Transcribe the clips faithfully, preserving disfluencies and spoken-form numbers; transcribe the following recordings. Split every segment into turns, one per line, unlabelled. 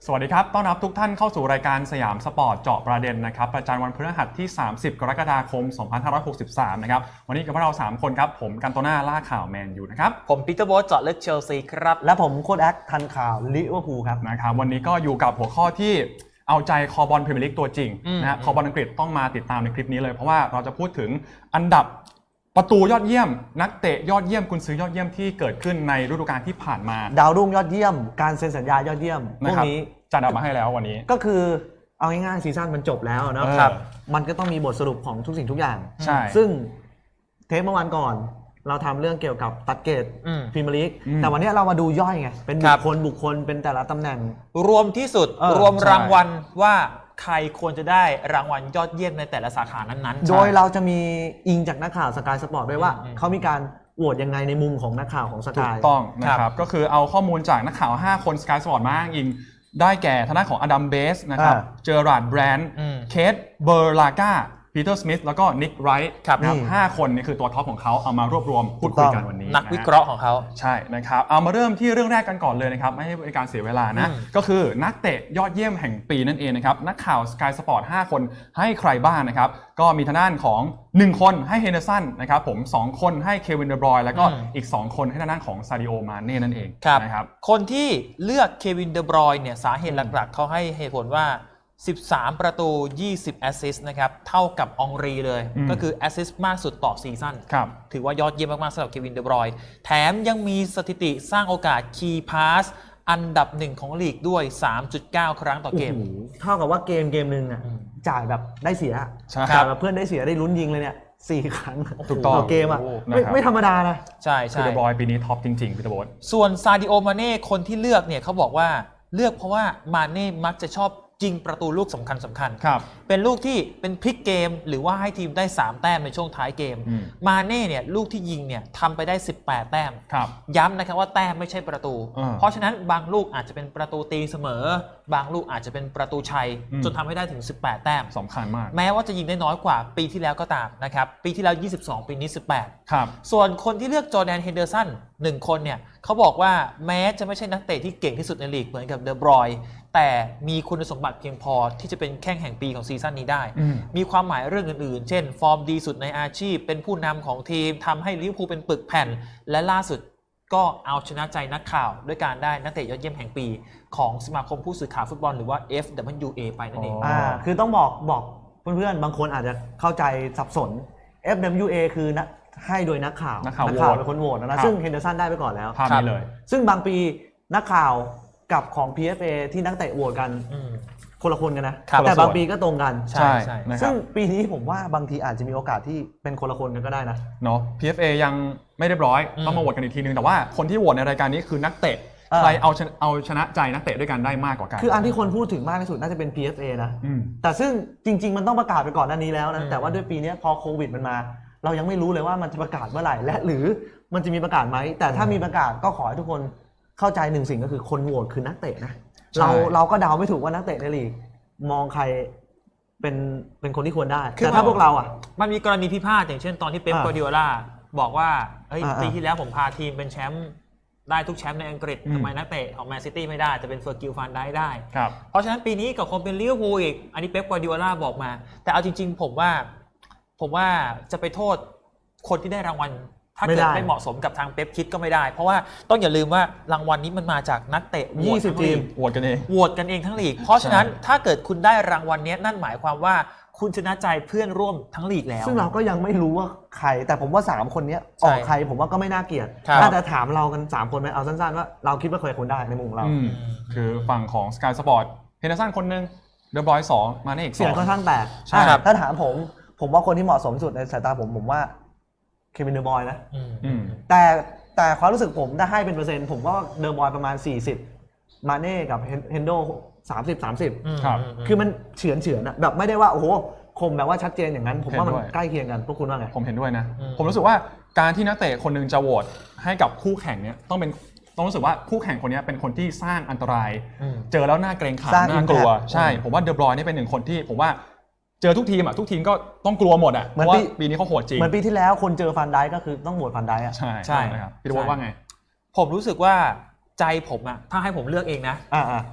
สวัสดีครับต้อนรับทุกท่านเข้าสู่รายการสยามสปอร์ตเจาะประเด็นนะครับประจำวันพฤหัสที่สามสิบกรกฎาคมสองพันห้าร้อยหกสิบสามนะครับวันนี้กับเราสามคนครับผมกันโตน่าล่าข่าวแมนยูนะครับ
ผมปีเตอร์โบ๊ทเจาะลึกเชลซีครับ
และผมโค้ชแอคทันข่าวลิเวอร์พูลครับ
นะครับวันนี้ก็อยู่กับหัวข้อที่เอาใจคอบอลพรีเมียร์ลีกตัวจริงนะฮะคอบอลอังกฤษต้องมาติดตามในคลิปนี้เลยเพราะว่าเราจะพูดถึงอันดับประตูยอดเยี่ยมนักเตะยอดเยี่ยมกุนซือยอดเยี่ยมที่เกิดขึ้นในฤดูกาลที่ผ่านมา
ดาวรุ่งยอดเยี่ยมการเซ็นสัญญายอดเยี่ยมพวกนี้
จัดเอามาให้แล้ววันนี้
ก็คือเอาง่ายๆซีซั่นมันจบแล้วนะครับมันก็ต้องมีบทสรุปของทุกสิ่งทุกอย่าง
ใช่
ซึ่งเทปเมื่อวานก่อนเราทำเรื่องเกี่ยวกับตัดเกรดพรีเมียร์ลีกแต่วันนี้เรามาดูย่อยไงเป็นบุคคลบุคคลเป็นแต่ละตำแหน่ง
รวมที่สุดรวมรางวัลว่าใครควรจะได้รางวัลยอดเยี่ยมในแต่ละสาขานั้น
ๆโดยเราจะมีอิงจากนักข่าวสกายสปอร์ตด้วยว่าเขามีการโหวตยังไงในมุมของนักข่าวของสกาย
ถูกต้องนะครับก็คือเอาข้อมูลจากนักข่าวห้าคนสกายสปอร์ตมาอ้างอิงได้แก่ทางด้านของอดัมเบสนะครับเจอราร์ดแบรนด์เคทเบอร์ลากาปีเตอร์สมิธแล้วก็นิกไรท์นะครับห้าคนนี่คือตัวท็อปของเขาเอามารวบรวมพูดคุยกันวันนี้
นักวิเคราะห์ของเขา
ใช่นะครับเอามาเริ่มที่เรื่องแรกกันก่อนเลยนะครับไม่ให้เป็นการเสียเวลานะก็คือนักเตะยอดเยี่ยมแห่งปีนั่นเองนะครับนักข่าว Sky Sport ห้าคนให้ใครบ้างนะครับก็มีทางด้านของหนึ่งคนให้เฮนเดอร์สันนะครับผมสองคนให้เควินเดอบรอยน์แล้วก็อีกสองคนให้ทางด้านของซาดิโอมาเน่นั่นเอง
นะครับคนที่เลือกเควินเดอบรอยน์เนี่ยสาเหตุหลักๆเขาให้เหตุผลว่าสิบสามประตูยี่สิบแอสซิสต์นะครับเท่ากับองรีเลยก็คือแอสซิสต์มากสุดต่อซีซั่นถือว่ายอดเยี่ยมมากๆสำหรับเควินเดอบรอยน์แถมยังมีสถิติสร้างโอกาสคีย์พาสอันดับหนึ่งของลีกด้วย สามจุดเก้า ครั้งต่อเกม
เท่ากับว่าเกมเกมนึงอ่ะจ่ายแบบได้เสียจ่ายแบบเพื่อนได้เสียได้ลุ้นยิงเลยเนี่ยสี่ครั้งต่อเกมอ่ะไม่ไม่ธรรมดานะ
ใช่ใช่
เดอบรอยน์ปีนี้ท็อปจริงๆพี่ตะโบด
ส่วนซาดิโอมาเน่คนที่เลือกเนี่ยเขาบอกว่าเลือกเพราะว่ามาเน่มักจะชอบยิงประตูลูกสำคัญสำคัญเป็นลูกที่เป็นพลิกเกมหรือว่าให้ทีมได้สามแต้มในช่วงท้ายเกมมาเน่เนี่ยลูกที่ยิงเนี่ยทำไปได้สิบแปดแต้มย้ำนะครับว่าแต้มไม่ใช่ประตูเพราะฉะนั้นบางลูกอาจจะเป็นประตูตีเสมอบางลูกอาจจะเป็นประตูชัยจนทำให้ได้ถึงสิบแปดแต้ม
สำคัญมาก
แม้ว่าจะยิงได้น้อยกว่าปีที่แล้วก็ตามนะครับปีที่แล้วยี่สิบสองปีนี้สิบแปด
ครับ
ส่วนคนที่เลือกจอร์แดนเฮนเดอร์สันหนึ่งคนเนี่ยเขาบอกว่าแม้จะไม่ใช่นักเตะที่เก่งที่สุดในลีกเหมือนกับเดอบรอยน์แต่มีคุณสมบัติเพียงพอที่จะเป็นแข้งแห่งปีของซีซั่นนี้ได้มีความหมายเรื่องอื่นๆเช่นฟอร์มดีสุดในอาชีพเป็นผู้นำของทีมทำให้ลิเวอร์พูลเป็นปึกแผ่นและล่าสุดก็เอาชนะใจนักข่าวด้วยการได้นักเตะยอดเยี่ยมแห่งปีของสมาคมผู้สื่อข่าวฟุตบอลหรือว่า เอฟ ดับเบิลยู เอ ไปนั่นเอง
อ่าคือต้องบอกบอกเพื่อนๆบางคนอาจจะเข้าใจสับสน เอฟ ดับเบิลยู เอ คือนะให้โดยนักข่าว
นักข่าว
เป็นคนโหวตนะซึ่งเฮนเดอร์สันได้ไปก่อนแล้ว
ภาพนี้เลย
ซึ่งบางปีนักข่าวกับของ พี เอฟ เอ ที่นักเตะโหวตกันคนละคนกันนะแต่บางปีก็ตรงกัน
ใช่
ซึ่งปีนี้ผมว่าบางทีอาจจะมีโอกาสที่เป็นคนละคนกันก็ได้นะ
เนาะ พี เอฟ เอ ยังไม่เรียบร้อยต้องมาโหวตกันอีกทีนึงแต่ว่าคนที่โหวตในรายการนี้คือนักเตะใครเอาเอาชนะใจนักเตะด้วยกันได้มากกว่ากัน
คืออันที่คนพูดถึงมากที่สุดน่าจะเป็น พี เอฟ เอ นะแต่ซึ่งจริงๆมันต้องประกาศไปก่อนหน้านี้แล้วนะแต่ว่าด้วยปีนี้พอโควิดมันมาเรายังไม่รู้เลยว่ามันจะประกาศเมื่อไหร่และหรือมันจะมีประกาศไหมแต่ถ้ามีประกาศก็ขอให้ทุกคนเข้าใจหนึ่งสิ่งก็คือคนโหวตคือนักเตะนะเราเราก็เดาไม่ถูกว่านักเตะในลีกมองใครเป็นเป็นคนที่ควรได้แต่ถ้าพวกเราอ่ะ
มันมีกรณีพิพาทอย่างเช่นตอนที่เป๊ป กวาร์ดิโอลาบอกว่าเฮ้ยปีที่แล้วผมพาทีมเป็นแชมป์ได้ทุกแชมป์ในอังกฤษทำไมนักเตะของแมนซิตี้ไม่ได้แต่เป็นเฟอร์กิลฟันได้ได้เพราะฉะนั้นปีนี้กับคนเป็นลิเวอร์พูลอีกอันนี้เป๊ป กวาร์ดิโอลาบอกมาแต่เอาจริงๆผมว่าผมว่าจะไปโทษคนที่ได้รางวัลถ้าเกิดไม่เหมาะสมกับทางเป๊ปคิดก็ไม่ได้เพราะว่าต้องอย่าลืมว่ารางวัลนี้มันมาจากนักเตะ
ยี่สิบทีม
โหวตกันเอง
โหวตกันเองทั้งลีกเพราะฉะนั้นถ้าเกิดคุณได้รางวัลนี้นั่นหมายความว่าคุณชนะใจเพื่อนร่วมทั้งลีกแล้ว
ซึ่งเราก็ยังไม่รู้ว่าใครแต่ผมว่าสามคนนี้ออกใครผมว่าก็ไม่น่าเกลียดถ้าจะถามเรากันสามคนไหมเอาสั้นๆว่าเราคิดว่าใครคนได้ในมุมเรา
คือฝั่งของ Sky Sport เฮนเดอร์สันคนนึงเดอบรอยน์สองมาเน่อีกสอง
เสียงค่อนข้างแตกถ้าถามผมผมว่าคนที่เหมาะสมสุดในสายตาผมผมว่าเควินเดอร์บอยน์นะแต่แต่ความรู้สึกผมถ้าให้เป็นเปอร์เซ็นต์ผมว่าเดอร์บอยน์ประมาณสี่สิบมาเน่กับเฮนโดสามสิบ สามสิบ
ครับ
คือมันเฉือนเฉือนอะแบบไม่ได้ว่าโอ้โหคมแบบว่าชัดเจนอย่างนั้นผมว่ามันใกล้เคียงกันพวกคุณว่าไง
ผมเห็นด้วยนะผมรู้สึกว่าการที่นักเตะคนนึงจะโหวตให้กับคู่แข่งเนี้ยต้องเป็นต้องรู้สึกว่าคู่แข่งคนนี้เป็นคนที่สร้างอันตรายเจอแล้วน่าเกรงขามน่ากลัวใช่ผมว่าเดอบรอยน์นี่เป็นหนึ่งคนที่ผมว่าเจอทุกทีมอ่ะทุกทีมก็ต้องกลัวหมดอ่ะเพราะว่าปีนี้เขาโหดจริง
เหมือนปีที่แล้วคนเจอฟันไดก็คือต้องโหวตฟันไดอ่ะ
ใช่ใช่ครับพี่ตะโบว่าไง
ผมรู้สึกว่าใจผมอ่ะถ้าให้ผมเลือกเองนะ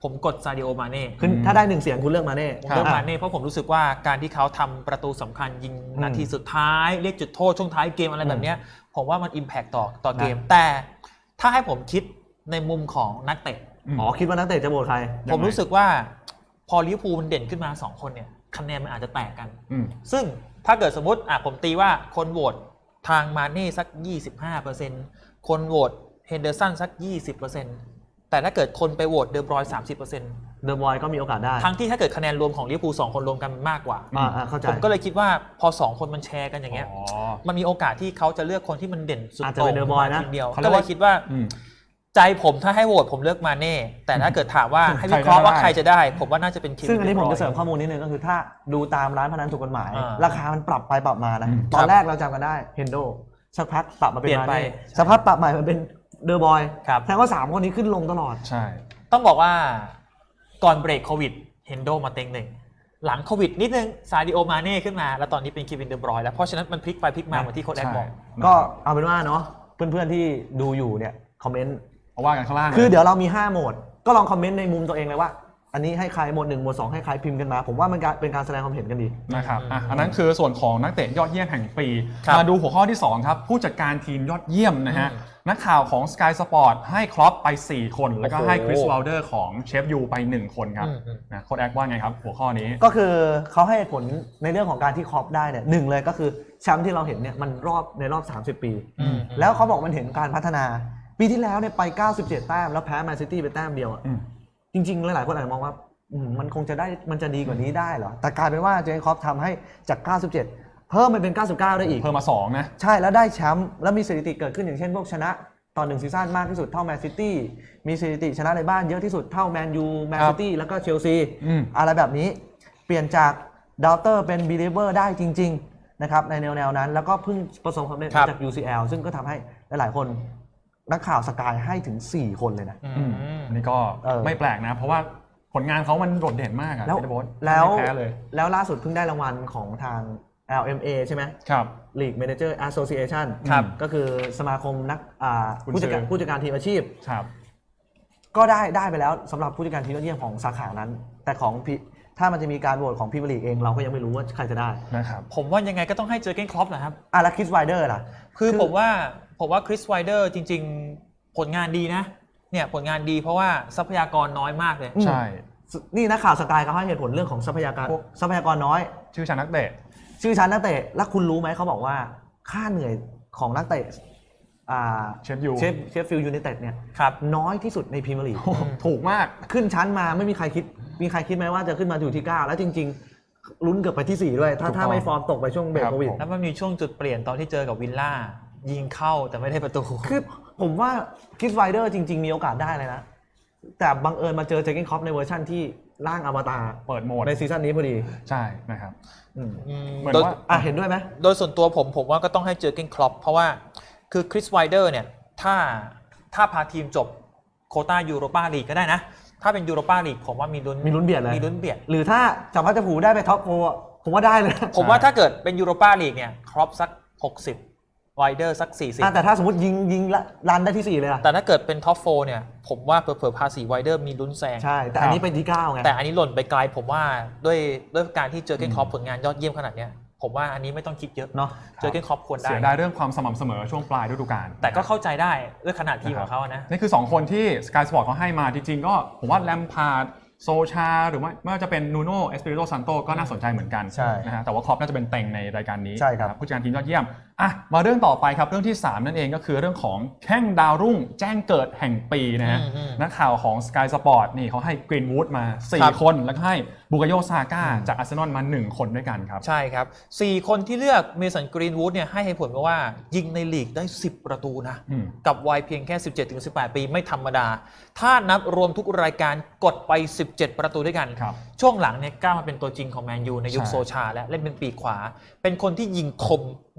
ผมกดซาดิโอมาเน่
คือถ้าได้หนึ่งเสียงคุณเลือกมาเน่
ผมเลือกมาเน่เพราะผมรู้สึกว่าการที่เขาทำประตูสำคัญยิงนาทีสุดท้ายเรียกจุดโทษช่วงท้ายเกมอะไรแบบนี้ผมว่ามันอิมแพคต่อต่อเกมแต่ถ้าให้ผมคิดในมุมของนักเตะ
อ๋อคิดว่านักเตะจะโหวตใคร
ผมรู้สึกว่าพอลิเวอร์พูลมันเด่นขึ้นมาสองคนเนี่ยคะแนนมันอาจจะแตกกันซึ่งถ้าเกิดสมมติอ่ะผมตีว่าคนโหวตทางมาเน่สัก ยี่สิบห้าเปอร์เซ็นต์ คนโหวตเฮนเดอร์สันสัก ยี่สิบเปอร์เซ็นต์ แต่ถ้าเกิดคนไปโหวตเดอบรอย สามสิบเปอร์เซ็นต์
เดอะบอยก็มีโอกาสได้
ทั้งที่ถ้าเกิดคะแนนรวมของลิเวอร์พูลสองคนรวมกันมากกว่า
อ่าเข้าใจ
ผมก็เลยคิดว่าพอสองคนมันแชร์กันอย่างเงี้ยมันมีโอกาสที่เขาจะเลือกคนที่มันเด่นสุด
อาจจะ
โต่
เป็น
ง
เดอะบอยนะ
ทีเดียวก็เลยคิดว่าใจผมถ้าให้โหวตผมเลือกมาเน่แต่ถ้าเกิดถามว่าให้วิเคราะห์ว่าใครจะได้ผมว่าน่าจะเป็นคิม
ซึ่งอันนี้ผมจะเสริมข้อมูลนิดนึงก็คือถ้าดูตามร้านพนันถูกกฎหมาย
อ่า
ราคามันปรับไปปรับมานะ
อืม
ตอนแรกเราจำกันได้เฮนโดสักพักปรับมาเป็น
เปลี่ยน
มา
ไป
เน่สักพักปรับใหม่มาเป็นเดอะบอย
ครับ
แสดงว่าสามคนนี้ขึ้นลงตลอด
ใช่
ต้องบอกว่าก่อนเบรกโควิดเฮนโดมาเต็งหนึ่งหลังโควิดนิดนึงซาดิโอมาเน่ขึ้นมาแล้วตอนนี้เป็นคิวินเดอบรอยแล้วเพราะฉะนั้นมันพลิกไปพลิกมาเหมือนที่โค้ชแอนบอก
ก็เอาเป็นว่าเนาะเพื่อนๆที่ดูอยู่เนี่ยคอมเมนต์
เอาว่ากันข้างล่าง
คือเดี๋ยวเรามีห้าโหมดก็ลองคอมเมนต์ในมุมตัวเองเลยว่า อันนี้ให้ใครโหมดหนึ่งโหมดสองให้ใครพิมพ์กันมา ผมว่ามันเป็นการแสดงความเห็นกันดี
นะครับอ่ะอันนั้นคือส่วนของนักเตะยอดเยี่ยมแห่งปี
ครับ
มาดูหัวข้อที่สองครับผู้จัดการทีมยอดเยี่ยมนะฮะ
อืม
นักข่าวของ Sky Sport ให้ครอปไปสี่คนแล้วก็
โอ้โห
ให้คริสวอลเดอร์ของเชฟยูไปหนึ่งคนครับ
อืมอืม
นะโค้ชแอคว่าไงครับหัวข้อนี้
ก็คือเขาให้ผลในเรื่องของการที่ครอปได้เนี่ยหนึ่งเลยก็คือแชมป์ที่เราเห็นเนี่ยมันรอบในรอบสามสิบปี
อืม
แล้วเขาบอกมันเห็นการพัฒนาปีที่แล้วเนี่ยไปเก้าสิบเจ็ดแต้มแล้วแพ้แมนซิตี้ไปแต้มเดียวอะ
อืม
จริงๆหลายๆคนอาจจะมองว่าอืมมันคงจะได้มันจะดีกว่านี้ได้เหรอแต่กลายเป็นว่าเจอร์เก้นคล็อปทำให้จากเก้าสิบเจ็ดเพิ่มมันเป็นเก้าสิบเก้าได้อีก
เพิ่มมาสองนะ
ใช่แล้วได้แชมป์แล้วมีสถิติเกิดขึ้นอย่างเช่นพวกชนะตอนหนึ่งซีซั่นมากที่สุดเท่าแมนซิตี้มีสถิติชนะในบ้านเยอะที่สุดเท่าแมนยูแมนซิตี้แล้วก็เชลซี
อืม
อะไรแบบนี้เปลี่ยนจากดาวเตอร์เป็นบีลีเวอร์ได้จริงๆนะครับในแนวๆนั้นแล้วก็เพิ่งประสบความสำเร็จ
ครับ
จาก ยู ซี แอล ซึ่งก็ทำให้หลายๆคนนักข่าวสกายให้ถึงสี่คนเลยนะ
อื
อืม
ม
อันนี้ก็
เออ
ไม่แปลกนะ เพราะว่าผลงานเขามันโดดเด่นมากอะ
แล้ว
พี่โบ๊ท
แล้ว
ไม่แพ้เลย
แล้วล่าสุดเพิ่งได้รางวัลของทาง แอล เอ็ม เอ ใช่ไหม
ครับ
League Manager Association
ครับ
ก็คือสมาคมนักอ่า
กุน
ผู้จัดการ
ซือ
ผู้จัดการทีมอาชีพ
ครับ
ก็ได้ได้ไปแล้วสำหรับผู้จัดการทีมยอดเยี่ยมของสาขานั้น แต่ของพี่ถ้ามันจะมีการโหวตของพรีเมียร์ลีกเองเราก็ยังไม่รู้ว่าใครจะได้
นะครับ
ผมว่ายังไงก็ต้องให้เจอร์เก้นคล็อปนะครับ
อ่ะแล้วคริสไวเดอร์ล่ะ
คือ
คือ
ผมว่าผมว่าคริสไวเดอร์จริง ๆ ผลงานดีนะเนี่ยผลงานดีเพราะว่าทรัพยากรน้อยมากเลย
ใช่
นี่นักข่าวสกายเขาให้เหตุผลเรื่องของทรัพยากร
พวก
ทรัพยากรน้อย
ชื่อชานักเตะ
ชื่อชั้นนักเตะแล้วคุณรู้ไหมเขาบอกว่าค่าเหนื่อยของนักเตะอ่า
เชฟยู
เชฟเชฟฟิลด์ยูไนเต็ดเนี่ย
ครับ
น้อยที่สุดในพรีเมียร์ลีก
โอ้โหถูกมาก
ขึ้นชั้นมาไม่มีใครคิด มีใครคิดไหมว่าจะขึ้นมาอยู่ที่เก้าแล้วจริง ๆ ลุ้นเกือบไปที่สี่ด้วย ถ้า
ถูกต้อง
ถ้าไม่ฟอร์มตกไปช่วงเบรก
ครับ
โควิด
ผม
แล้วมันมีช่วงจุดเปลี่ยนตอนที่เจอกับวิลล่ายิงเข้าแต่ไม่ได้ประตู
คือผมว่าคิสไวเดอร์จริง ๆ มีโอกาสได้เลยนะ แต่บังเอิญมาเจอเจอร์เก้นคล็อปในเวอร์ชั่นที่ร่างอวตาร
เปิดโหมด
ในซีซั่นนี้พอดี
ใช่นะครับ
อืม
อืม
เหมือน
โดย
ว่า
อ่ะเห็นด้วยไหม
โดยส่วนตัวผมผมว่าก็ต้องให้เจอร์เก้นคล็อปเพราะว่าคือคริสไวเดอร์เนี่ยถ้าถ้าพาทีมจบโควต้ายูโรปาลีกก็ได้นะ ถ้าเป็นยูโรปาลีกผมว่ามีลุ้น
มีลุ้นเบียดเลย
มีลุ้นเบียด
หรือถ้าจับพัดจับผูได้ไปท็อปโฟร์ผมว่าได้เลย
ผมว่าถ้าเกิดเป็นยูโรปาลีกเนี่ยครอปสักหกสิบไวเดอร์สักสี่สิบ
อ่ะแต่ถ้าสมมติยิงยิงละรันได้ที่สี่เลยอะ
แต่ถ้าเกิดเป็นท็อปโฟร์เนี่ยผมว่าเผลอๆพาสี่ไวเดอร์มีลุ้นแซง
ใช่ แต่อันนี้เป็นที่เก้าไง
แต่อันนี้หล่นไปไกลผมว่าด้วยด้วยการที่เจอเก้นคล็อปผลงานยอดเยี่ยมขนาดเนี้ยผมว่าอันนี้ไม่ต้องคิดเยอะ
เนาะ
เจอเก้นคล็อปควรได้
เสียดายเรื่องความสม่ำเสมอช่วงปลายฤดูกาล
แต่ก็เข้าใจได้ด้วยขนาดทีมของเขานะ
นี่คือ สอง คนที่ Sky Sport เขาให้มาจริงๆ ก็ผมว่าแลมพาร์ดโซชาหรือว่าไม่ว่าจะเป็นนูโน่เอสปิริโตซันโตก็น่าสนใจเหมือนกัน
ใช่
นะฮะแต่ว่าครอปน่าจะเป็นเต็งในรายการนี้
ใช่ครับ
นะผู้จัดการทีมยอดเยี่ยมอ่ะมาเรื่องต่อไปครับเรื่องที่สามนั่นเองก็คือเรื่องของแข้งดาวรุ่งแจ้งเกิดแห่งปีนะฮะ
อืมอืม
นักข่าวของ Sky Sport นี่เขาให้กรีนวูดมาสี่
ครับ
คนแล้วก็ให้บุกโยซาก้าจากอาร์เซนอลมาหนึ่งคนด้วยกันครับ
ใช่ครับสี่คนที่เลือกเมสันกรีนวูดเนี่ยให้เหตุผลมาว่ายิงในลีกได้สิบประตูนะ
อืม
กับวัยเพียงแค่ สิบเจ็ดถึงสิบแปด ปีไม่ธรรมดา ถ้านับรวมทุกรายการกดไปสิบเจ็ดประตูด้วยกัน
ครับ
ช่วงหลังเนี่ยก้าวมาเป็นตัวจริงของแมนยูในยุค
ใช่
โซชาและเล่นเป็นปีกขวา เป็นคนที่ยิงคมหนัก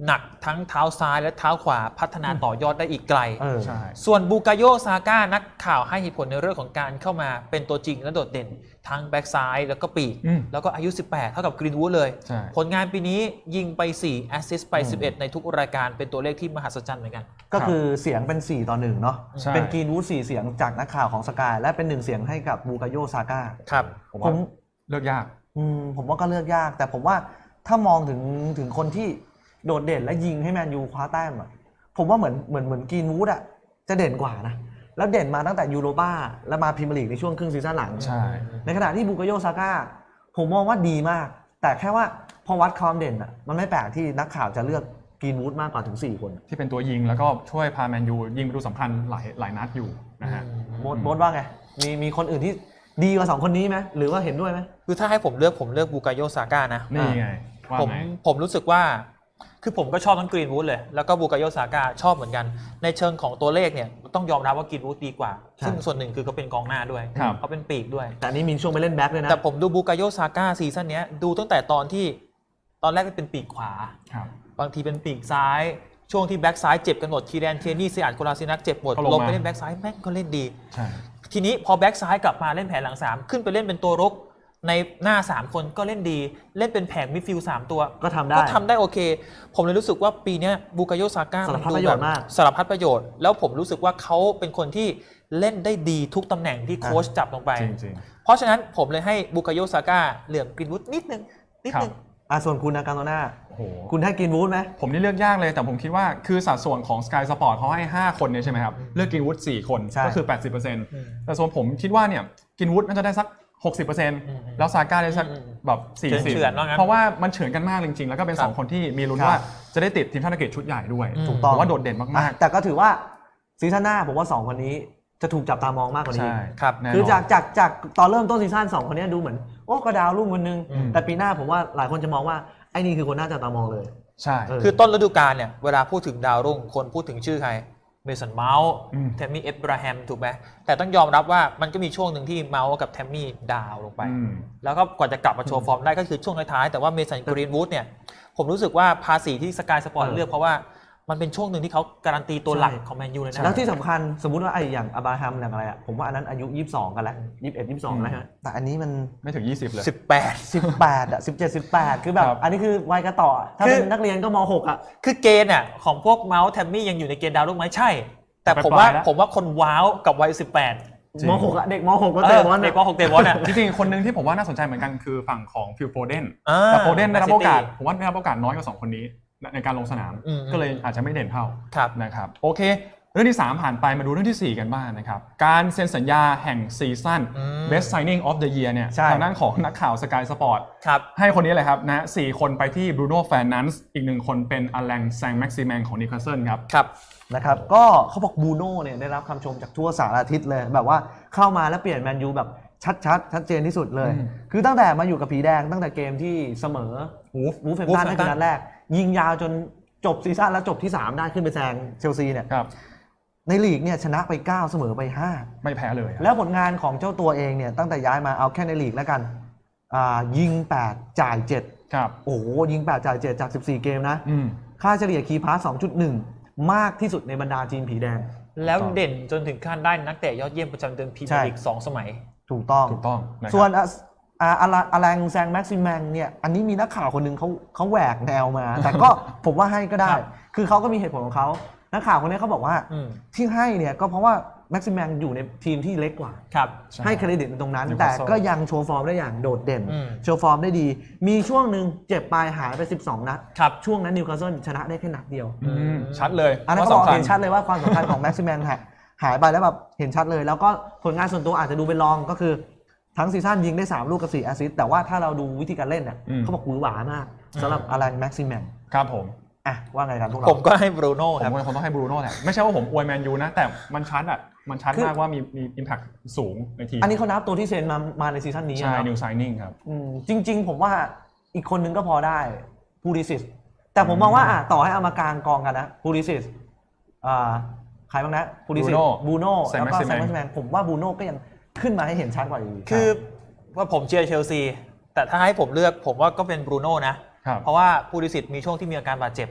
ทั้งเท้าซ้ายและเท้าขวาพัฒนาต่อยอดได้อีกไกล
เออ
ใช่
ส่วนบูกาโยซาก้านักข่าวให้เหตุผลในเรื่องของการเข้ามาเป็นตัวจริงและโดดเด่นทั้งแบ็กซ้ายแล้วก็ปีก
อืม
แล้วก็อายุ สิบแปด เท่ากับกรีนวูดเลย
ใช่
ผลงานปีนี้ยิงไป สี่ แอสซิสต์ไป สิบเอ็ด ในทุกรายการเป็นตัวเลขที่มหัศจรรย์เหมือนกัน
ก็คือเสียงเป็น สี่ ต่อ หนึ่ง เนาะ
ใช่
เป็นกรีนวูดสี่เสียงจากนักข่าวของสกายและเป็นหนึ่งเสียงให้กับบูกาโยซาก้า
ครับ
ผม
ผ
ว่าม เลือกยาก
อืมผมว่าก็เลือกยาก แต่ผมว่าถ้ามองถึงถึงคนที่โดดเด่นและยิงให้แมนยูคว้าแต้มอะผมว่าเหมือนเหมือนเหมือนกรีนวูดอะจะเด่นกว่านะแล้วเด่นมาตั้งแต่ยูโรป้าแล้วมาพรีเมียร์ลีกในช่วงครึ่งซีซั่นหลัง
ใช่
ในขณะที่บูกาโยซาก้าผมมองว่าดีมาก แต่แค่ว่าพอวัดความเด่นอะมันไม่แปลกที่นักข่าวจะเลือกกรีนวูดมากกว่าถึงสี่คน
ที่เป็นตัวยิงแล้วก็ช่วยพาแมนยูยิงประตูสำคัญหลายหลายนัดอยู่นะฮะ
โบทโบทว่าไงมีมีคนอื่นที่ดีกว่าสองคนนี้ไหมหรือว่าเห็นด้วยไหม
คือถ้าให้ผมเลือกผมเลือกบูกาโยซาก้านะ
นี่ไงว่า
ผม
ไง
ผมรู้สึกว่าคือผมก็ชอบทั้งกรีนวูดเลยแล้วก็บูกาโยซาก้าชอบเหมือนกันในเชิงของตัวเลขเนี่ยต้องยอมรับว่ากรีนวูดดีกว่า
ใช่
ซึ่งส่วนหนึ่งคือเขาเป็นกองหน้าด้วย
ครับ
เขาเป็นปีกด้วย
แต่อันนี้มีช่วงไปเล่นแบ็คด้วยนะ
แต่ผมดูบูกาโยซาก้าซีซั่นนี้ดูตั้งแต่ตอนที่ตอนแรกเป็นปีกขวา
ครับ
บางทีเป็นปีกซ้าย ช่วงที่แบ็กซ้ายเจ็บกันหมดคีแรนเทนี่เซียดโคลาซินักเจ็บหมด
ก็ลงมา
ลงไปเล่นแบ็กซ้ายแม่งก็เล่นดี
ใช่
ทีนี้พอแบ็กซ้ายกลับมาเล่นแผนหลังสามขึ้นไปเล่นเป็นตัวรุกในหน้าสามคนก็เล่นดีเล่นเป็นแผงมิดฟิลด์สามตัว
ก็ทำได้
ก็ทำได้โอเค ผมเลยรู้สึกว่าปีนี้บูกาโยซาก้า
สารพัดประโยชน์มาก
สารพัดประโยชน์แล้วผมรู้สึกว่าเขาเป็นคนที่เล่นได้ดีทุกตำแหน่งที่โค้ชจับลงไป
จริง
เพราะฉะนั้นผมเลยให้บูกาโยซาก้าเหลื่อมกรีนวูดนิดนึงนิดนึง
อ่ะส่วนคุณนะการโตน่า
ๆโอ้โห
คุณให้กรีนวูดไหม
ผมนี่เลือกยากเลยแต่ผมคิดว่าคือสัดส่วนของ Sky Sport เขาให้ ห้า คนเนี่ยใช่ไหมครับ เลือกกินวูดสี่คน
ใช่
ก็คือ แปดสิบเปอร์เซ็นต์
อืม
แต่ส่วนผมคิดว่าเนี่ยกินวูดน่าจะได้สัก หกสิบเปอร์เซ็นต์
อืม
แล้วซาก้าได้สัก
อืม
แบบสี่สิบ
เฉือนๆว่างั้น
เพราะว่ามันเฉือนกันมากจริงๆ แล้วก็เป็น
ครับ
สองคนที่มีลุ้น
ครับ
ว่าจะได้ติดทีมชาติอังกฤษชุดใหญ่ด้วย
อืม
ถูกต้อง
ผมว่าโดดเด่น
อ่ะ
มาก
แต่ก็ถือว่าซีซั่นหน้าผมว่าสองคนนี้จะถูกจับตามองมากกว่า
ๆ
นี้
ใช่
ครับ
แน่นน
คือจากจากจากตอนเริ่มต้นซีซั่นสองคนนี้ดูเหมือนโอ้ก็ดาวรุ่งคนนึง
อืม
แต่ปีหน้าผมว่าหลายคนจะมองว่าไอ้นี่คือคนน่าจับตามองเลย
ใช่
เออ
คือต้นฤดูกาลเนี่ยเวลาพูดถึงดาวรุ่งคนพูดถึงชื่อใครเมสันเมาส์
อืม
แทมมี่เอบราฮัมถูกไหมแต่ต้องยอมรับว่ามันก็มีช่วงหนึ่งที่เมาส์กับแทมมี่ดาวลงไป
อืม
แล้วก็กว่าจะกลับมาโชว์ฟอร์มได้ก็คือช่วงท้ายๆแต่ว่าเมสันกรีนวูดเนี่ยผมรู้สึกว่าภาษีที่สกายสปอร์ต
เออ
เลือกเพราะว่ามันเป็นช่วงหนึ่งที่เขาการันตีตัวหลัก
ใช่
ของแมนยูเลยนะ
แล้วที่สำคัญสมมุติว่าไอ้อย่างอับราฮัมอย่างอะไรอ่ะผมว่าอันนั้นอายุยี่สิบสองกันแล้วยี่สิบเอ็ด ยี่สิบสองแล้วใช่ไหมแต่อันนี้มัน
ไม่ถึง ยี่สิบ เลย
สิบแปด
สิบแปดอ่ะสิบเจ็ด สิบแปดคือแบบ
ครับ
อันนี้คือวัยกระต่อถ้า
คือ
เป็นนักเรียนก็มหกอ่ะ
คือเกณฑ์อ่ะของพวกเมาส์แทมมี่ยังอยู่ในเกณฑ์ดาวรุ่งไหมใช่ แต่
แต่
ผม
ป
ว่า
ลายๆแล้ว
ผมว่าคนว้าวกับวัยสิบแปด
จริง
มหกอ่ะเด็กมหกก็
เอ
เตะ
อบ
อล
เด็
อะ
กว่าหกเตะบอลอ่ะ
จริงๆคนหนึ่งที่ผมว่าน่าสนใจเหมือนกันคือฝั่งของฟิลโฟเดน
อ่า
แต่โฟเดนได้รับโอกาส
Man City
ผมว่าได้รับโอกาสน้อยกว่าสองคนนี้ในการลงสนาม
อืม
ก็เลยอาจจะไม่เด่นเท่า
ครับ
นะครับโอเค เรื่องที่ สาม ผ่านไปมาดูเรื่องที่ สี่ กันบ้างนะครับ การเซ็นสัญญาแห่งซีซั่น
อืม
Best Signing of the Year เนี่ย
ใช่
ทางด้านของนักข่าว Sky Sport
ครับ
ให้คนนี้เลยครับนะสี่คนไปที่ Bruno Fernandes อีกหนึ่งคนเป็นอลังแซงแม็กซิแมงของนิวคาสเซิลครับ
ครับ
นะครับก็เขาบอกบูโน่เนี่ยได้รับคำชมจากทั่วสารทิศเลย แบบว่าเข้ามาแล้วเปลี่ยนแมนยูแบบชัดๆ ชัดเจนที่สุดเลย
อืม
คือตั้งแต่มาอยู่กับผีแดงตั้งแต่เกมที่เสมอวูฟวูฟเฟมตัน
Wolverhampton
นั่นคือนัดแรก ยิงยาวจนจบซีซั่นแล้วจบที่ สาม ได้ขึ้นไปแซงเชลซีเนี่ย
ครับ
ในลีกเนี่ยชนะไป เก้า เสมอไป ห้า
ไม่แพ้เลยครับ
แล้วผลงานของเจ้าตัวเองเนี่ยตั้งแต่ย้ายมาเอาแค่ในลีกแล้วกันอ่ายิง แปด จ่าย เจ็ด
ครับ
โอ้โหยิง แปด จ่าย เจ็ด จาก สิบสี่ เกมนะ
อืม
ค่าเฉลี่ยคีย์พาส สองจุดหนึ่ง มากที่สุดในบรรดาทีมผีแดง
แล้ว
ถูกต้อง
เด่นจนถึงขั้นได้นักเตะยอดเยี่ยมประจำเดือนพรีเมียร์ลีกสองสมัย
ถูกต้อง
ถูกต้องนะครับ
ส่วนอ่ะอ่าอาราอารังแซงแม็กซิแมงเนี่ยอันนี้มีนักข่าวคนหนึงเขาเขาแหวกแนวมา แต่ก็ ผมว่าให้ก็ได้
ครับ
คือเขาก็มีเหตุผลของเขานักข่าวคนนี้เขาบอกว่า
อืม
ที่ให้เนี่ยก็เพราะว่าแม็กซิแมงอยู่ในทีมที่เล็กกว่า
ครับ
ใช่
ให้เครดิตในตรงนั้น
Newcastle
แต่ก็ยังโชว์ฟอร์มได้อย่างโดดเด่น
อืม
โชว์ฟอร์มได้ดี มีช่วงหนึ่งเจ็บปลายหายไปสิบสองนัด
ครับ
ช่วงนั้นนิวคาสเซิลชนะได้แค่นัดเดียว
อืมชัดเลย
อันนั้น
ว่า
เขาบอก
สำคัญ
เห็นชัดเลยว่าความสำคัญของแม็กซิแมงหายไปแล้วแบบเห็นชัดเลย แล้วก็ผลงานส่วนตัวอาจจะดูเป็นรองก็คือทั้งซีซั่นยิงได้สามลูกกับสี่แอสซิสต์แต่ว่าถ้าเราดูวิธีการเล่นเนี่ย
อืม
เขาบอกหวือหวามากสำหรับอารันแม็กซิแมง
ครับผม
อ่ะว่าไงกันพวกเรา
ผมก็ให้บรูโน่
ผม
ครับ
ว่าคงต้องให้บรูโน่แหละไม่ใช่ว่าผมอวยแมนยูนะ แต่มันชัดอ่ะมันชัด
คือ
มากว่ามีมีอิมแพคสูงในทีม
อันนี้เขานับตัวที่เซ็นมามาในซีซั่นนี้
ใช่
นะ
นิวไซนิ่งครับ
อืมจริง ๆ ผมว่าอีกคนนึงก็พอได้พูลิซิสแต่ผมมองว่าอ่ะต่อให้เอามากลางกองกันนะพูลิซิสอ่าใครบ้างนะพูลิซิส
Bruno
บูโน่
Saint
แล้วก็
Maximin
แซมแม็กซิแมงผมว่าบูโน่ก็ยังขึ้นมาให้เห็นชัดกว่าอยู่
คือว่าผมเชียร์เชลซีแต่ถ้าให้ผมเลือกผมว่าก็เป็นบรูโน่นะ
ครับ
เพราะว่าผู้ดิสิตมีช่วงที่มีอาการบาดเจ็บ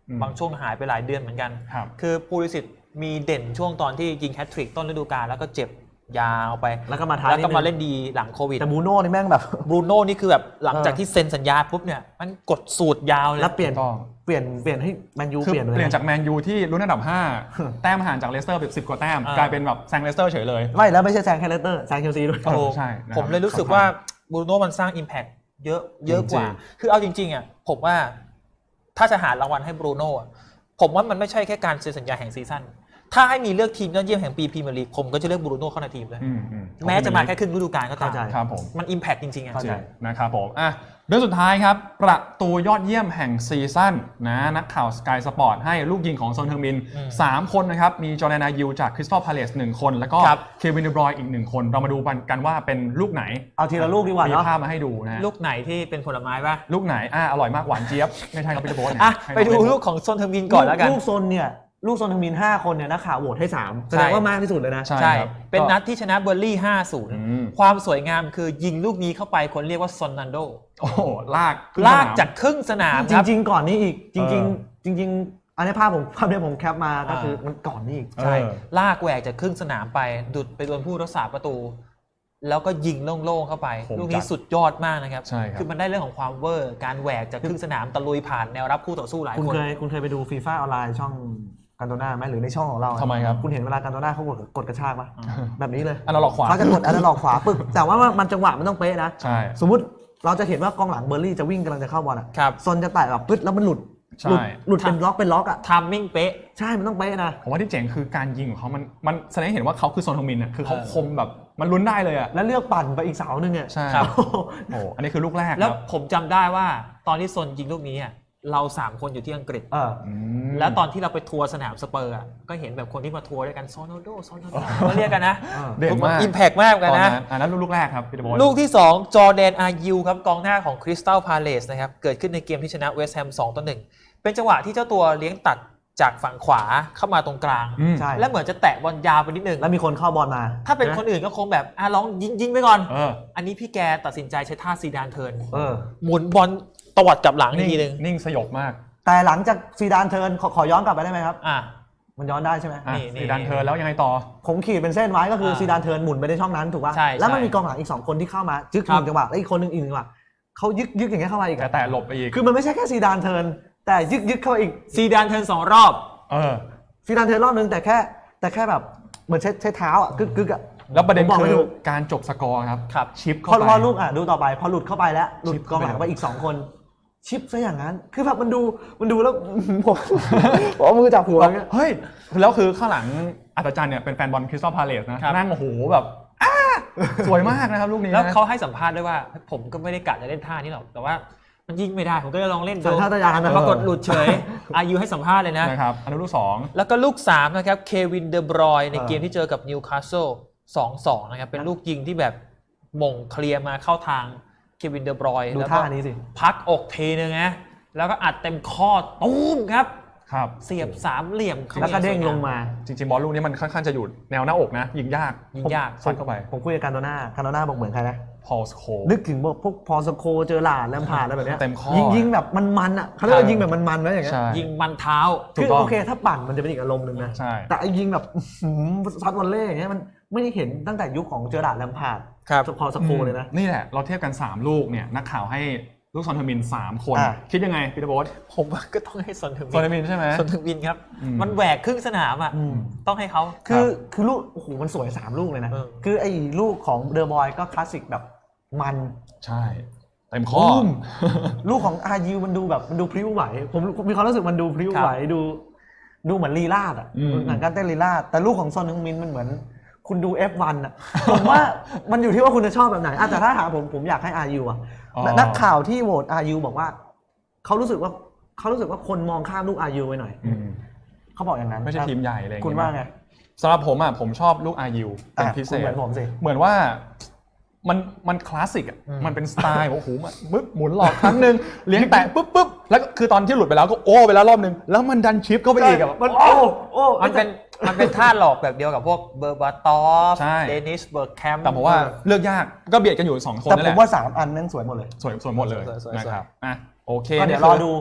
บางช่วงหายไปหลายเดือนเหมือนกัน
ครับ
คือปูลิสิตมีเด่นช่วงตอนที่ยิงแฮตทริกต้นฤดูกาลแล้วก็เจ็บยาวไป
แล้วก็มาท้าย
แล้วก็
นิดนึง
มาเล่นดีหลังโควิด
แต่บรูโน่นี่แม่งแบบ
บรูโน่นี่คือแบบหลังจาก
เออ
ที่เซ็นสัญญาปุ๊บเนี่ยมันกดสูตรยาวเลย
แล้วเปลี่ยน
ถูกต้อง
เปลี่ยนเปลี่ยนให้แมนยู
คือ
เปลี่ยนเลย
เปลี่ยน
นะ
จากแมนยูที่ลุ้นอันดับ ห้า แต้มห่างจากเลสเตอร์แบบสิบกว่าแต้ม
อ่าก
ลายเป็นแบบแซงเลสเตอร์เฉยเลย
ไม่แล้วไม่ใช่แซงแคเลสเตอร์แซงเชลซีด้วย
เออใช่นะครับ
ผมเลยรู้สึกว่าบรูโน่มันสร้าง Impact เยอะเยอะกว่า
จริง
คือเอาจริงๆอ่ะผมว่าถ้าจะหารางวัลให้บรูโน่อะผมว่ามันไม่ใช่แค่การเซ็นสัญญาแห่งซีซั่นถ้าให้มีเลือกทีมยอดเยี่ยมแห่งปีพรีเมียร์ลีกผมก็จะเลือกบรูโน่เข้าในทีมเลย
อืมอืม
แม้จะมาแค่ครึ่งฤดูกาลก็ตาม
เข้าใจ
ครับผม
มัน Impact จริงๆอ่ะ
เข้าใจ
นะครับผมอ่ะเรื่องสุดท้ายครับ ประตูยอดเยี่ยมแห่งซีซั่นนะนักข่าวสกายสปอร์ตให้ลูกยิงของซอนเทอร์มิน
อืม
สามคนนะครับ มีจอร์แดนอายิวจากคริสตัลพาเลซหนึ่งคน แล้วก็
ครับ
เควินเดบรอยน์อีกหนึ่งคน เรามาดูกันว่าเป็นลูกไหน
เอาทีละลูกดีกว่า
มี
เนาะ
ภาพมาให้ดูนะ
ลูกไหนที่เป็นผลไม้ป่ะ
ลูกไหนอ่ะอร่อยมากหวานเจี๊ยบ ไม่ใช่ครับพี่ตะโบนเนี่ย
อ่ะ
ให้
ไปดู
น้องเน
ลูกของซอนเทอร์มินก่อนแล้วกัน
ลูกโซนเนี่ยลูกโซนทมินห้าคนเนี่ยนักข่าวโหวตให้สามแสดงว่ามากที่สุดเลยนะ
ใช่
ใช่
ครับ
เป็น
ก็
นัดที่ชนะเบอร์ลี่ ห้าศูนย์
อืม
ความสวยงามคือยิงลูกนี้เข้าไปคนเรียกว่าซอนนันโด
โอ้โหลากขึ้น
ลาก
สนม
จากครึ่งสนาม
จ
ครับ
ริง ๆ ก่อนนี้อีกจริง
เออ
ๆ จริง ๆ อันนี้ภาพผมภาพนี้ผมแคปมาก็คือมันก่อนนี้อีก
ใช่
เออ
ลากแหวกจากครึ่งสนามไป ดุดไปโดนผู้รักษาประตู แล้วก็ยิงโล่งๆเข้าไป
ผม
ลูกนี้
จัด
สุดยอดมากนะครับ
ใช่ครับ
คือมันได้เรื่องของความเวอร์ การแหวกจากครึ่งสนามตะลุยผ่านแนวรับคู่ต่อสู้หลาย
คุณ
คน
เคยคุณเคยไปดูฟีฟ่าออนไลน์ช่องกันโตนาไหมหรือในช่องของเรา
ทำไมครับ
คุณเห็นเวลากันโตนาเขากดกดกระชากปะแบบนี้เลย
อันนั้นหลอกขวา
เขาจะกดอันนั้นหลอกขวาปึ๊บแต่ว่ามันจังหวะมันต้องเป๊ะนะ
ใช่
สมมุติเราจะเห็นว่ากองหลังเบอร์ลี่จะวิ่งกำลังจะเข้าบอลอ่ะ
ครับ
ซนจะแตะแบบปึ๊ดแล้วมันหลุด
ใช่
หลุดหลุดเป็นล็อกเป็นล็อกอ่ะ
ทามมิ่งเป๊ะ
ใช่มันต้องเป๊ะนะ
ผมว่าที่เจ๋งคือการยิงของเขามันมันแสดงให้เห็นว่าเขาคือโซนทมินอ่ะคือเขา
เออ
คมแบบมันลุ้นได้เลยอ่ะ
แล้วเลือกปั่นไปอีกเสาหนึ่งอ่ะ
ใช่
ครับ
โอ้อันนี้คือลูกแรก
แล้ว
ครับ
ผมจำได้ว่าตอนที่ซนยิงลูกนี้อะเราสามคนอยู่ที่อังกฤษ
เออ
อืม
แล้วตอนที่เราไปทัวร์สนามสเปอร์อะก็เห็นแบบคนที่มาทัวร์ด้วยกันซอนโนโดซอนโนโดก็เรียกกันนะ
เด่นมาก
อิมแพกมากเหมือน
ต
กั
อน
นนะ
นั้นอันนั้นลูกแรกครับพี่ตะโบน
ลูกที่ สอง จอร์แดนอายิวครับกองหน้าของคริสตัลพาเลซนะครับเกิดขึ้นในเกมที่ชนะเวสต์แฮมสองต่อหนึ่งเป็นจังหวะที่เจ้าตัวเลี้ยงตัดจากฝั่งขวาเข้ามาตรงกลาง
อืม
ใช่
และเหมือนจะแตะบอลยาวไปนิดนึง
แล้วมีคนเข้าบอลมา
ถ้าเป็นคนอื่นก็คงแบบอ่ะลองยิงยิงไปก่อน
เออ
อันนี้พี่แกตัดสินใจใช้ท่าซีดานเทิร์น
เออ
หมุนบอลตวัดกลับหลังอีกทีนึง
นิ่งสยบมาก
แต่หลังจากซีดานเทิร์นขอขอย้อนกลับไปได้ไหมครับ
อ่ะ
มันย้อนได้ใช่ไหม
อ่ะ
นี่นี่
ซีดานเทิร์นแล้วยังไงต่อ
ผมขีดเป็นเส้นไว้ก็คือ
อ่า
ซีดานเทิร์นหมุนไปในช่องนั้นถูกป่ะ
ใช่
แล้วมัน
ใช่
มีกองหลังอีกสองคนที่เข้ามาจึ๊ก
ครับ
หนึ่งจังหวะแล้วอีกคนหนึ่งอีกหนึ่งจังหวะเขายึกยึกอย่างเงี้ยเข้ามาอีก
แต่
อะ
แต่หลบไปอีก
คือมันไม่ใช่แค่ซีดานเทิร์นแต่ยึกยึกเข้ามาอีก
ซีดานเทิร์นสองรอบ
เออ
ซีดานเทิร์นรอบนึงแต่แค่แต่แค่แบบเหมือนใช้ใช้เท้าอ่ะกึกกึกอ่ะ
แล้วประเด็น
ผมบอก
คื
ไม่
อ
ถูก
การจบสกอร์ครับ
ครับ
ชิป
พ
เข้า
อ
ไป
พอลูกอ่ะดูต่อไปพอหลุดเข้าไปแล้วหลุด
ชิป
กองหลัง
เข้า
ไป
ไป
อีกสองคน ชิปซะอย่างนั้น คือแบบมันดูมันดูแล้ว ผมผมเอามือจับหัวอย่างเงี้ย
เฮ้ยแล้วคือข้างหลังอัศจรรย์เนี่ยเป็นแฟนบอลคริสตัลพาเลซนะครับ นั่งโอ้โหแบบอ้าสวยมากนะครับลูกนี้
แล้ว
นะ
เขาให้สัมภาษณ์ด้วยว่า ผมก็ไม่ได้กะจะเล่นท่านี้หรอก แต่ว่ามันยิงไม่ได้ ผมก็เลยลองเล่นดู
สัญชาตญาณนะ
ปรากฏหลุดเฉย อายุให้สัมภาษณ์เลยนะ
นะครับอันนั้นลูกสอง
แล้วก็ลูกสามนะครับ เควินเดอบรอยน์ใน
เออ
เกมที่เจอกับนิวคาสเซิล สองสอง นะครับ เป็นลูกยิงที่แบบหม่งเคลียร์มาเข้าทางเควินเดอบรอยน์
ดู
แล้วก็
ท่านี้สิ
พักอกทีนึงนะ แล้วก็อัดเต็มข้อตุ้มครับ
ครับ
เสียบสามเหลี่ยมข้า
แล้วก็เด้ง
สย
ลงมา
จริงๆบอลลูกนี้มันค่อนข้างจะอยู่แนวหน้าอกนะ ยิงยาก
ยิงยาก
ซัดเข้าไป
ผมคุยกับการโดน่าการโดน่าบอกเหมือนใครนะ
พอลสโค
นึกถึงพวกพอสโคเจอหลาดแลมพาร์ดอะไรแบบเนี้ย
เต็มข้อ
ยิงยิงแบบมันๆอ่ะเขาเรียกว่ายิงแบบมันๆนะอย่างเงี้ย
ใช่
ยิงมันเท้า
ถู
คื
ก
อ
ต้อง
โอเคถ้าปั่นมันจะเป็นอีกอารมณ์หนึ่งนะ
ใช่
แต่ไอ้ยิงแบบอื้อหือซัดวอลเล่อย่างเงี้ยมันไม่ได้เห็นตั้งแต่ยุคของเจอหลาดแลมพาร์ด
ครับ
พอสโคเลยนะ
นี่แหละเราเทียบกันสามลูกเนี่ยนักข่าวให้ลูกซอนเทอร์มินสามคน
อ่ะ
คิดยังไงพีเตอร์โบ๊ท
ผมว่าก็ต้องให้ซอนถึง
ซอนเทอร์มินใช่ไหม
ซอนถึงวินครับ
อืม
มันแหวกครึ่งสนามอ่ะ
อืม
ต้องให้เขา
คือคือลูกโอ้โหมันสวยสามลูกเลยนะ
เออ
คือไอ้ลูกของเดอะบอยก็คลาสสิกแบบมัน
ใช่เต็มข้อ
มลูกของอายูมันดูแบบมันดูพริ้วไหว ผมมีความรู้สึกมันดูพริ้วไหวดูดูเหมือนลีลาดอ่ะ
อืม
หนังการเต้นลีลาดแต่ลูกของซอนฮึงมินมันเหมือนคุณดู เอฟ วัน อ่ะ ผมว่ามันอยู่ที่ว่าคุณจะชอบแบบไหนอ่ะแต่ถ้าถามผมผมอยากให้อายูอ่ะ
อ๋อ
นักข่าวที่โหวตอายูบอกว่าเขารู้สึกว่าเขารู้สึกว่าคนมองข้ามลูกอายูไปหน่อย
อืม
เขาบอกอย่างนั้น
ไม่ใช่ทีมใหญ่อะไรอย่ง
คุณ
เงี้ย
ว่าไง
สำหรับผมอ่ะผมชอบลูกอายิวเป็น
อ่ะ
พิเศ
คุณ
ษ
เหมือนผมสิ
เหมือนว่ามันมันคลาสสิกอ่ะมันเป็นสไตล์โอ้โหมันปึ๊บหมุนหลอกครั้งหนึ่งเลี้ยงแตะปุ๊บปุ๊บแล้วก็คือตอนที่หลุดไปแล้วก็โอ้ไปแล้วรอบหนึ่งแล้วมันดันชิปเข้าไปอีกอ่ะ
มันโอ้โอ้
มันเป็นมันเป็นท่าหลอกแบบเดียวกับพวกเบอร์บาตอฟ
ใช่
เดนิสเบิร์กแคมป์
แต่ผมว่าเลือกยากก็เบียดกันอยู่สองคน
แต่
นั่น
ผ
แห
ม
ละ
ว่าสามอันนั้นสวยหมดเลย
สวยสวยหมดเลย
สวยสวย
นะครับอ่ะโอเค
ก็เดี๋ยว
นี่
ร
คือ
ดู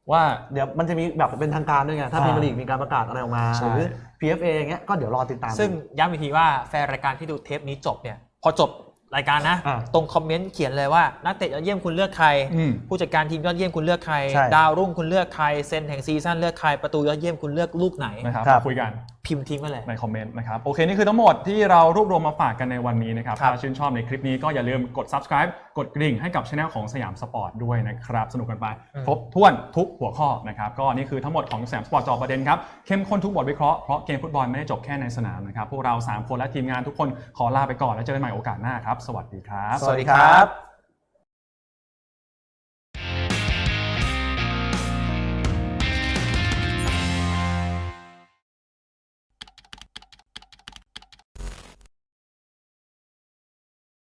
ว่า
เดี๋ยวมันจะมีแบบเป็นทางการด้วยไงถ้าพรีเมียร์ลีกมีการประกาศอะไรออกมา
ใช่
หรือ พี เอฟ เอ อย่างเงี้ยก็เดี๋ยวรอติดตาม
ซึ่งย้ำอีกทีว่าแฟนรายการที่ดูเทปนี้จบเนี่ยพอจบรายการนะ
อ่ะ
ตรงคอมเมนต์เขียนเลยว่านักเตะยอดเยี่ยมคุณเลือกใคร
อืม
ผู้จัดการทีมยอดเยี่ยมคุณเลือกใคร
ใช่
ดาวรุ่งคุณเลือกใครเซนแห่งซีซั่นเลือกใครประตูยอดเยี่ยมคุณเลือกลูกไหน
นะครับ
ครับ
มาคุยกัน
พิมพ์ทิ้งไว้เลย
ในคอมเมนต์นะครับโอเคนี่คือทั้งหมดที่เรารวบรวมมาฝากกันในวันนี้นะครับ
ครับ
ถ้าชื่นชอบในคลิปนี้ก็อย่าลืมกด subscribe กดกริ่งให้กับช anel ของสยามสปอร์ตด้วยนะครับสนุกกันไปครบถ้วนทุกหัวข้อนะครับก็นี่คือทั้งหมดของสยามสปอร์ตจอประเด็นครับเข้มข้นทุกบทวิเคราะห์เพราะเกมฟุตบอลไม่ได้จบแค่ในสนามนะครับพวกเราสามคนและทีมงานทุกคนขอลาไปก่อนแล้วเจอกันใหม่โอกาสหน้าครับสวัสดีครับ
สวัสดีครับ